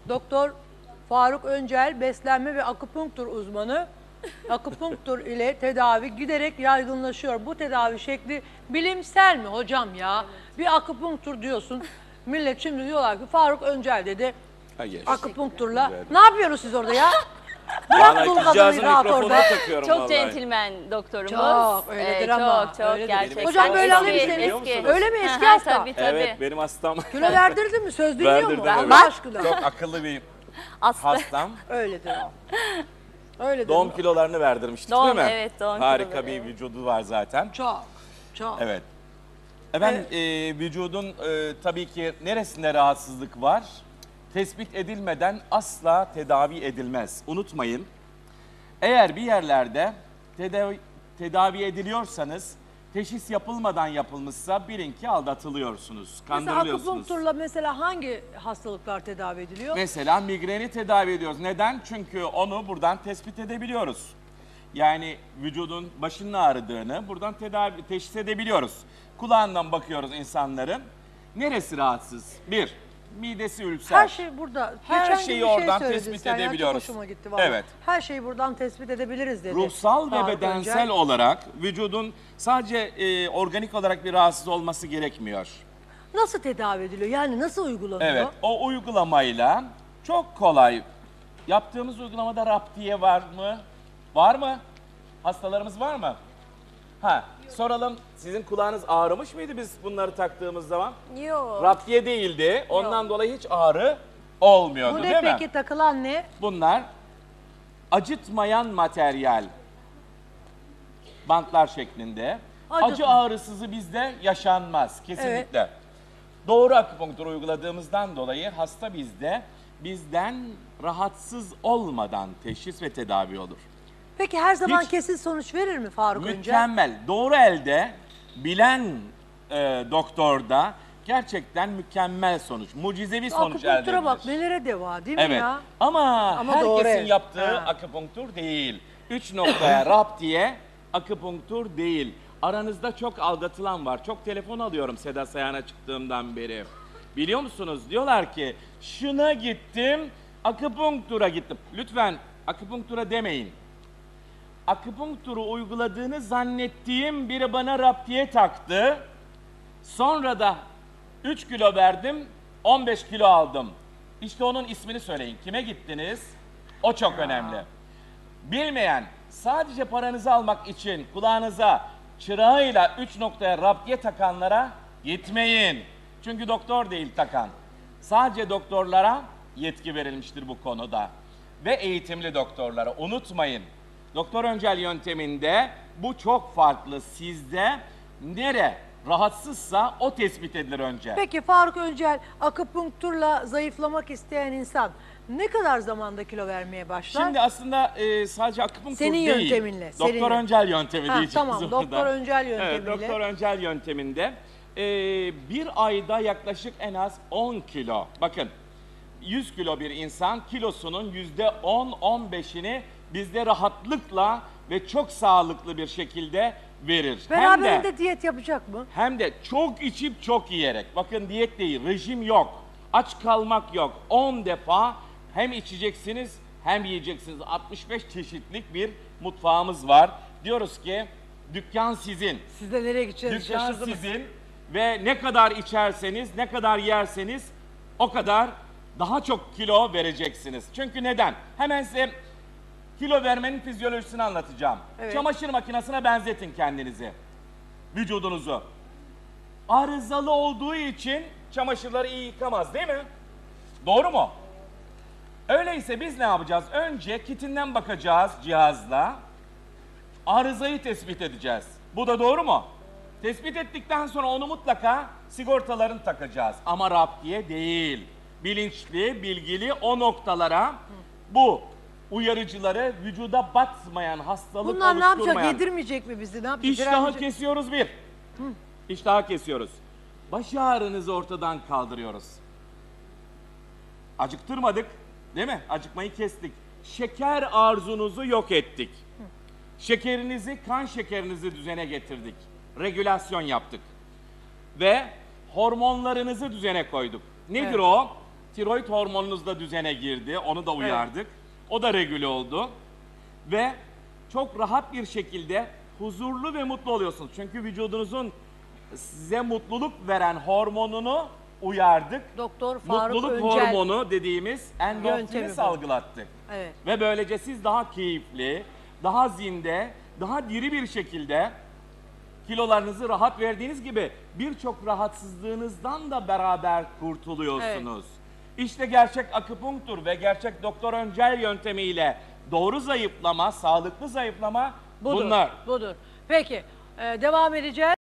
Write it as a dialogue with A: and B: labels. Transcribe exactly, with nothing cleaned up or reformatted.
A: Doktor Faruk Öncel beslenme ve akupunktur uzmanı. Akupunktur ile tedavi giderek yaygınlaşıyor. Bu tedavi şekli bilimsel mi hocam ya? Bir akupunktur diyorsun. Millet şimdi diyorlar ki Faruk Öncel dedi.
B: Hayır.
A: Akupunkturla. Ne yapıyorsunuz siz orada ya?
B: Bana
A: Bırak dul kadını
B: kızcağızın
A: rahat
B: mikrofonunu
A: orada.
B: takıyorum
C: Çok
B: vallahi.
C: centilmen doktorumuz.
A: Çok, öyledir ama,
C: Çok çok
A: öyledir.
C: gerçekten.
A: Hocam böyle alayım
C: Eski,
A: seni.
C: eski.
A: Öyle mi, eski
C: Hı hı,
A: hasta?
C: Tabii tabii.
B: Evet, benim hastam.
A: Kilo verdirdin mi? Söz dinliyor
B: Verdirdim,
A: mu?
B: evet.
A: Allah aşkına.
B: Çok akıllı bir
C: Aslı.
B: hastam.
A: Öyledir o. Öyledir.
B: Doğum
A: o.
B: kilolarını verdirmiştik
C: Doğum,
B: değil mi?
C: evet, doğum
B: Harika
C: kiloları,
B: bir
C: evet.
B: vücudu var zaten.
A: Çok, çok.
B: Evet. Efendim e, vücudun e, tabii ki neresinde rahatsızlık var? Tespit edilmeden asla tedavi edilmez. Unutmayın. Eğer bir yerlerde tedavi, tedavi ediliyorsanız teşhis yapılmadan yapılmışsa bilin ki aldatılıyorsunuz,
A: Mesela
B: kandırılıyorsunuz.
A: akupunkturla mesela hangi hastalıklar tedavi ediliyor?
B: Mesela migreni tedavi ediyoruz. Neden? Çünkü onu buradan tespit edebiliyoruz. Yani vücudun başının ağrıdığını buradan tedavi teşhis edebiliyoruz. Kulağından bakıyoruz insanların. Neresi rahatsız? Bir, midesi ülser.
A: Her şey burada.
B: Her
A: Geçen gün
B: şeyi
A: bir şey
B: oradan
A: söyledin
B: tespit
A: sen ya,
B: edebiliyoruz.
A: Çok hoşuma gitti vallahi.
B: Evet.
A: Her şeyi buradan tespit edebiliriz dedi.
B: Ruhsal ve
A: Faruk
B: bedensel
A: Öncel.
B: olarak vücudun sadece e, organik olarak bir rahatsız olması gerekmiyor.
A: Nasıl tedavi ediliyor? Yani nasıl uygulanıyor?
B: Evet, o uygulamayla çok kolay. Yaptığımız uygulamada raptiye var mı? Var mı? Hastalarımız var mı? Ha, soralım. Sizin kulağınız ağrımış mıydı biz bunları taktığımız zaman?
C: Yok.
B: Raptiye değildi. Ondan dolayı hiç ağrı olmuyordu,
A: Bu
B: değil
A: ne
B: mi?
A: peki, takılan ne?
B: Bunlar acıtmayan materyal. Bantlar şeklinde.
A: Acıtma.
B: Acı ağrısızı bizde yaşanmaz kesinlikle. Doğru akupunktur uyguladığımızdan dolayı hasta bizde bizden rahatsız olmadan teşhis ve tedavi olur.
A: Peki her zaman
B: Hiç-
A: kesin sonuç verir mi Faruk Öncel?
B: Mükemmel. Doğru elde bilen e, doktorda gerçekten mükemmel sonuç, mucizevi sonuç elde edilir.
A: Akupunktura bak nelere deva değil mi
B: Evet.
A: ya?
B: Ama,
A: Ama doğru,
B: herkesin
A: evet.
B: yaptığı
A: Ha.
B: akupunktur değil. Üç noktaya raptiye akupunktur değil. Aranızda çok aldatılan var. Çok telefon alıyorum Seda Sayan'a çıktığımdan beri. Biliyor musunuz? Diyorlar ki şuna gittim, akupunktura gittim. Lütfen akupunktura demeyin. Akupunkturu uyguladığını zannettiğim biri bana raptiye taktı. Sonra da üç kilo verdim, on beş kilo aldım. İşte onun ismini söyleyin. Kime gittiniz? O çok önemli. Bilmeyen, sadece paranızı almak için kulağınıza çırağıyla üç noktaya raptiye takanlara gitmeyin. Çünkü doktor değil takan. Sadece doktorlara yetki verilmiştir bu konuda. Ve eğitimli doktorlara. Unutmayın. Doktor Öncel yönteminde bu çok farklı. Sizde nere rahatsızsa o tespit edilir önce.
A: Peki Faruk Öncel, akupunkturla zayıflamak isteyen insan ne kadar zamanda kilo vermeye başlar?
B: Şimdi aslında e, sadece akupunktur
A: Senin
B: değil.
A: yönteminle,
B: Doktor
A: senin-
B: Öncel yöntemi
A: Ha,
B: diyeceğiz
A: tamam,
B: orada.
A: Doktor Öncel yöntemiyle.
B: Evet, Doktor Öncel yönteminde e, bir ayda yaklaşık en az on kilo. Bakın yüz kilo bir insan kilosunun yüzde on on beşini bizde rahatlıkla ve çok sağlıklı bir şekilde verir. Hem de,
A: Beraberinde diyet yapacak mı?
B: hem de çok içip çok yiyerek. Bakın diyet değil, rejim yok. Aç kalmak yok. on defa hem içeceksiniz hem yiyeceksiniz. altmış beş çeşitlik bir mutfağımız var. Diyoruz ki dükkan sizin.
A: Siz de nereye gideceğinizi
B: Dükkan
A: şaşırdınız.
B: sizin ve ne kadar içerseniz, ne kadar yerseniz o kadar daha çok kilo vereceksiniz. Çünkü neden? Hemen size kilo vermenin fizyolojisini anlatacağım.
A: Evet.
B: Çamaşır makinesine benzetin kendinizi, vücudunuzu. Arızalı olduğu için çamaşırları iyi yıkamaz değil mi? Doğru mu? Öyleyse biz ne yapacağız? Önce kitinden bakacağız cihazla. Arızayı tespit edeceğiz. Bu da doğru mu? Tespit ettikten sonra onu mutlaka sigortalarını takacağız. Ama raptiye değil. Bilinçli, bilgili o noktalara bu uyarıcıları vücuda batmayan, hastalık
A: Bunlar ne yapacak?
B: oluşturmayan.
A: Yedirmeyecek mi bizi? Ne yapacak?
B: İştahı
A: Direnmeyecek-
B: kesiyoruz bir. İştahı kesiyoruz. Baş ağrınızı ortadan kaldırıyoruz. Acıktırmadık, değil mi? Acıkmayı kestik. Şeker arzunuzu yok ettik. Şekerinizi, kan şekerinizi düzene getirdik. Regülasyon yaptık. Ve hormonlarınızı düzene koyduk. Nedir
A: Evet.
B: o? Tiroid hormonunuz da düzene girdi. Onu da uyardık. O da regüle oldu. Ve çok rahat bir şekilde huzurlu ve mutlu oluyorsunuz. Çünkü vücudunuzun size mutluluk veren hormonunu uyardık.
A: Doktor Faruk
B: Mutluluk
A: Öncel.
B: hormonu dediğimiz
A: Yöntemi
B: endorfini
A: bu.
B: salgılattık.
A: Evet.
B: Ve böylece siz daha keyifli, daha zinde, daha diri bir şekilde kilolarınızı rahat verdiğiniz gibi birçok rahatsızlığınızdan da beraber kurtuluyorsunuz. İşte gerçek akupunktur ve gerçek Doktor Öncel yöntemiyle doğru zayıflama, sağlıklı zayıflama
A: Budur,
B: bunlar.
A: budur. Peki, e, devam edeceğiz.